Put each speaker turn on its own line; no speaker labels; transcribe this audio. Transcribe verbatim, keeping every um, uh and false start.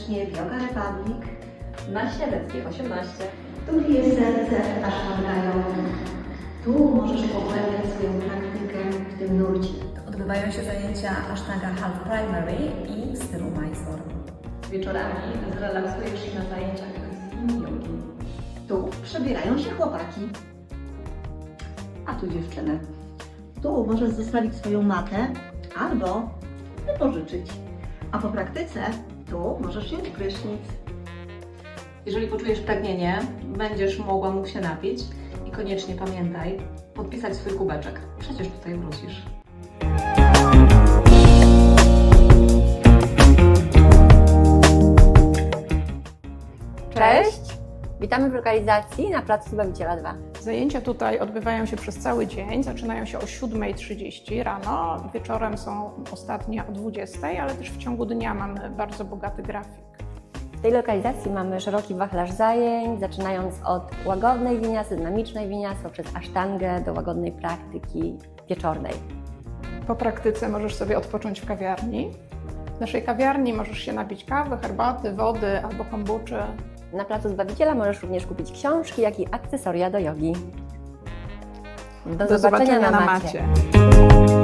serdecznie w Yoga Republic
na Śniadeckiej osiemnaście.
Tu jest serce Ashtanga Yoga. Tu możesz pogłębiać swoją praktykę w tym nurcie.
Odbywają się zajęcia Ashtanga Half Primary i w stylu Mysore.
Wieczorami zrelaksujesz się na zajęciach z yin jogi.
Tu przebierają się chłopaki, a tu dziewczyny. Tu możesz zostawić swoją matę albo wypożyczyć. A po praktyce tu możesz wziąć prysznic.
Jeżeli poczujesz pragnienie, będziesz mogła mógł się napić i koniecznie pamiętaj podpisać swój kubeczek. Przecież tutaj wrócisz.
Cześć! Witamy w lokalizacji na placu Zbawiciela dwa.
Zajęcia tutaj odbywają się przez cały dzień, zaczynają się o siódmej trzydzieści rano, wieczorem są ostatnie o dwudziestej, ale też w ciągu dnia mamy bardzo bogaty grafik.
W tej lokalizacji mamy szeroki wachlarz zajęć, zaczynając od łagodnej winiasy, dynamicznej winiasy, poprzez asztangę do łagodnej praktyki wieczornej.
Po praktyce możesz sobie odpocząć w kawiarni. W naszej kawiarni możesz się napić kawy, herbaty, wody albo kombuczy.
Na placu Zbawiciela możesz również kupić książki, jak i akcesoria do jogi. Do,
Do zobaczenia na
macie.
macie.